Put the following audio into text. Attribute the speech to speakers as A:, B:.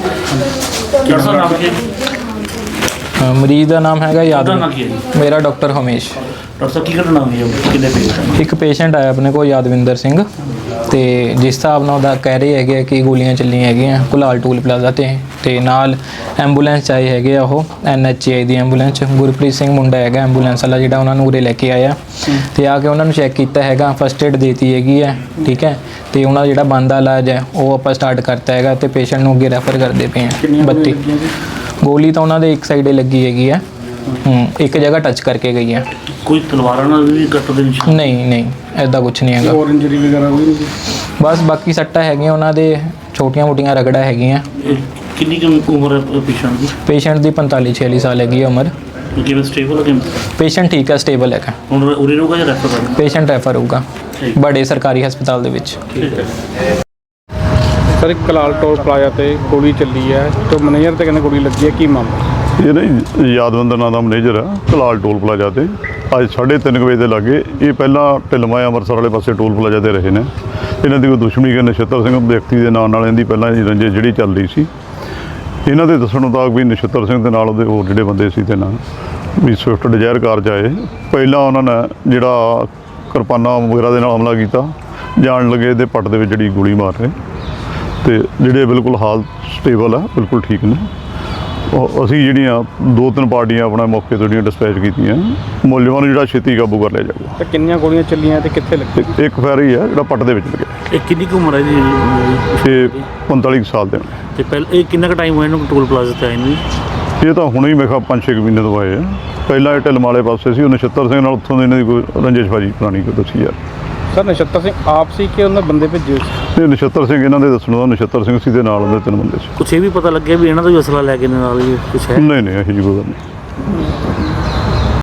A: ਮਰੀਜ਼ ਦਾ ਨਾਮ ਹੈਗਾ ਯਾਦਵਿੰਦਰ। ਮੇਰਾ ਡਾਕਟਰ ਹਮੇਸ਼।
B: ਡਾਕਟਰ ਸਾਹਿਬ ਕੀ ਘਟਨਾ ਹੋਈ ਹੈ? ਕਿੰਨੇ ਪੇਸ਼ੈਂਟ?
A: ਇੱਕ ਪੇਸ਼ੈਂਟ ਆਇਆ ਆਪਣੇ ਕੋਲ ਯਾਦਵਿੰਦਰ ਸਿੰਘ, ਤੇ ਜਿਸ ਹਿਸਾਬ ਨਾਲ ਉਹਦਾ ਕਹਿ ਰਹੇ ਹੈਗੇ ਕਿ ਗੋਲੀਆਂ ਚੱਲੀਆਂ ਹੈਗੀਆਂ ਕੁਲਾਲ ਟੂਲ ਪਲਾਜ਼ਾ ਤੇ ਨਾਲ ਐਂਬੂਲੈਂਸ ਆਏ ਹੈਗੇ ਆ, ਉਹ NHI ਦੀ ਐਂਬੂਲੈਂਸ। ਗੁਰਪ੍ਰੀਤ ਸਿੰਘ ਮੁੰਡਾ ਹੈਗਾ ਐਂਬੂਲੈਂਸ ਵਾਲਾ ਜਿਹੜਾ ਉਹਨਾਂ ਨੂੰ ਉਰੇ ਲੈ ਕੇ ਆਇਆ, ਤੇ ਆ ਕੇ ਉਹਨਾਂ ਨੂੰ ਚੈੱਕ ਕੀਤਾ ਹੈਗਾ, ਫਸਟ ਏਡ ਦੇਤੀ ਹੈਗੀ ਹੈ, ਠੀਕ ਹੈ। ਤੇ ਉਹਨਾਂ ਦਾ ਜਿਹੜਾ ਬਣਦਾ ਇਲਾਜ ਹੈ ਉਹ ਆਪਾਂ ਸਟਾਰਟ ਕਰਤਾ ਹੈਗਾ, ਤੇ ਪੇਸ਼ੈਂਟ ਨੂੰ ਅੱਗੇ ਰੈਫਰ ਕਰਦੇ ਪਏ ਹਾਂ। 32 ਗੋਲੀ ਤਾਂ ਉਹਨਾਂ ਦੇ ਇੱਕ ਸਾਈਡੇ ਲੱਗੀ ਹੈਗੀ ਹੈ, ਇੱਕ ਜਗ੍ਹਾ ਟੱਚ ਕਰਕੇ ਗਈ ਹੈ।
B: ਕੋਈ ਤਲਵਾਰਾਂ ਨਾਲ ਵੀ ਕੱਟ ਦੇ ਨਿਸ਼ਾਨ?
A: ਨਹੀਂ ਐਦਾਂ ਕੁਛ ਨਹੀਂ ਹੈਗਾ।
B: ਹੋਰ ਇੰਜਰੀ ਵਗੈਰਾ ਕੋਈ ਨਹੀਂ?
A: ਬਸ ਬਾਕੀ ਸੱਟਾਂ ਹੈਗੀਆਂ ਉਹਨਾਂ ਦੇ, ਛੋਟੀਆਂ ਮੋਟੀਆਂ ਰਗੜਾ ਹੈਗੀਆਂ।
B: ਕਿੰਨੀ ਕੁ ਉਮਰ ਹੈ ਪੇਸ਼ੈਂਟ ਦੀ?
A: ਪੇਸ਼ੈਂਟ ਦੀ 45-46 ਸਾਲ ਹੈਗੀ ਹੈ ਉਮਰ।
B: ਕਿਵੇਂ ਸਟੇਬਲ ਹੈ?
A: ਪੇਸ਼ੈਂਟ ਠੀਕ ਹੈ, ਸਟੇਬਲ ਹੈਗਾ।
B: ਹੁਣ ਉਰੇ ਰਹੂਗਾ ਜਾਂ ਰੈਫਰ ਕਰਨਾ?
A: ਪੇਸ਼ੈਂਟ ਰੈਫਰ ਹੋਊਗਾ ਬੜੇ ਸਰਕਾਰੀ ਹਸਪਤਾਲ ਦੇ ਵਿੱਚ।
B: ਠੀਕ ਹੈ
C: ਸਰ, ਇੱਕ ਕਲਾਲ ਟੋਲ ਪਲਾਜ਼ਾ ਤੇ ਗੋਲੀ ਚੱਲੀ ਹੈ, ਤੇ ਮੈਨੇਜਰ ਤੇ ਕਹਿੰਦੇ ਗੋਲੀ ਲੱਗੀ ਹੈ, ਕੀ ਮਾਮਲਾ?
D: ਇਹ ਨਹੀਂ ਯਾਦਵਿੰਦਰ ਨਾਂ ਦਾ ਮੈਨੇਜਰ ਆ ਕਲਾਲ ਟੋਲ ਪਲਾਜ਼ਾ ਤੇ ਅੱਜ 3:30 ਵਜੇ ਦੇ ਲਾਗੇ। ਇਹ ਪਹਿਲਾਂ ਢਿਲਮਾ ਅੰਮ੍ਰਿਤਸਰ ਵਾਲੇ ਪਾਸੇ ਟੋਲ ਪਲਾਜ਼ਾ ਤੇ ਰਹੇ ਨੇ। ਇਹਨਾਂ ਦੀ ਕੋਈ ਦੁਸ਼ਮਣੀ ਕਿ ਨਛੱਤਰ ਸਿੰਘ ਵਿਅਕਤੀ ਦੇ ਨਾਂ ਨਾਲ ਇਹਦੀ ਪਹਿਲਾਂ ਹੀ ਰੰਜਿਸ਼ ਜਿਹੜੀ ਚੱਲ ਰਹੀ ਸੀ। ਇਹਨਾਂ ਦੇ ਦੱਸਣ ਮੁਤਾਬਕ ਵੀ ਨਛੱਤਰ ਸਿੰਘ ਦੇ ਨਾਲ ਉਹਦੇ ਹੋਰ ਜਿਹੜੇ ਬੰਦੇ ਸੀ ਤੇ ਨਾਲ ਵੀ ਸਵਿਫਟ ਡਿਜ਼ਾਇਰ ਕਾਰ 'ਚ ਆਏ। ਪਹਿਲਾਂ ਉਹਨਾਂ ਨੇ ਜਿਹੜਾ ਕਿਰਪਾਨਾਂ ਵਗੈਰਾ ਦੇ ਨਾਲ ਹਮਲਾ ਕੀਤਾ, ਜਾਣ ਲੱਗੇ ਇਹਦੇ ਪੱਟ ਦੇ ਵਿੱਚ ਜਿਹੜੀ ਗੋਲੀ ਮਾਰ ਰਹੇ, ਤੇ ਜਿਹੜੇ ਬਿਲਕੁਲ ਹਾਲਤ ਸਟੇਬਲ ਆ, ਬਿਲਕੁਲ ਠੀਕ ਨੇ। ਅਸੀਂ ਜਿਹੜੀਆਂ 2-3 ਪਾਰਟੀਆਂ ਆਪਣਾ ਮੌਕੇ ਤੋਂ ਜਿਹੜੀਆਂ ਡਿਸਪੈਚ ਕੀਤੀਆਂ, ਮੁਲਜ਼ਮਾਂ ਨੂੰ ਜਿਹੜਾ ਛੇਤੀ ਕਾਬੂ ਕਰ ਲਿਆ ਜਾਊਗਾ।
C: ਤੇ ਕਿੰਨੀਆਂ ਗੋਲੀਆਂ ਚੱਲੀਆਂ ਤੇ ਕਿੱਥੇ ਲੱਗੀ?
D: ਇੱਕ ਫੈਰ ਹੀ ਹੈ ਜਿਹੜਾ ਪੱਟ ਦੇ ਵਿੱਚ ਲੱਗਿਆ।
B: ਇਹ ਕਿੰਨੀ ਕੁ ਉਮਰ ਹੈ ਜੀ?
D: ਇਹ 45 ਸਾਲ ਦੇ ਨੇ।
B: ਤੇ ਪਹਿਲਾਂ ਇਹ ਕਿੰਨਾ ਕੁ ਟਾਈਮ ਹੋਇਆ ਇਹਨੂੰ ਟੋਲ ਪਲਾਜ਼ਾ ਤੇ ਆਏ ਨੂੰ?
D: ਇਹ ਤਾਂ ਹੁਣੇ ਹੀ ਮੈਂ ਕਿਹਾ 5-6 ਮਹੀਨੇ ਤੋਂ ਆਏ ਆ। ਪਹਿਲਾਂ ਇਹ ਢਿਲਮ ਵਾਲੇ ਪਾਸੇ ਸੀ, ਉਹ ਨਛੱਤਰ ਸਿੰਘ ਨਾਲ ਉੱਥੋਂ ਦੇ ਇਹਨਾਂ ਦੀ ਕੋਈ ਰੰਜਿਸ਼ਬਾਜੀ ਪੁਰਾਣੀ ਕੋਈ ਦੱਸੀ ਯਾਰ।
C: ਸਰ, ਨਛੱਤਰ ਸਿੰਘ ਆਪ ਸੀ ਕਿ ਉਹਨਾਂ ਬੰਦੇ ਭੇਜੇ ਸੀ?
D: ਇਹ ਨਛੱਤਰ ਸਿੰਘ ਇਹਨਾਂ ਦੇ ਦੱਸਣ ਦਾ ਨਛੱਤਰ ਸਿੰਘ ਸੀ, ਦੇ ਨਾਲ ਉਹਦੇ 3 ਬੰਦੇ ਸੀ।
B: ਕੁਛ ਇਹ ਵੀ ਪਤਾ ਲੱਗਿਆ ਵੀ ਇਹਨਾਂ ਦਾ ਵੀ ਅਸਲਾ ਲੈ ਕੇ ਨਾਲ ਹੀ ਕੁਛ ਹੈ?
D: ਨਹੀਂ ਇਹੋ ਜਿਹੀ ਕੋਈ ਗੱਲ ਨਹੀਂ।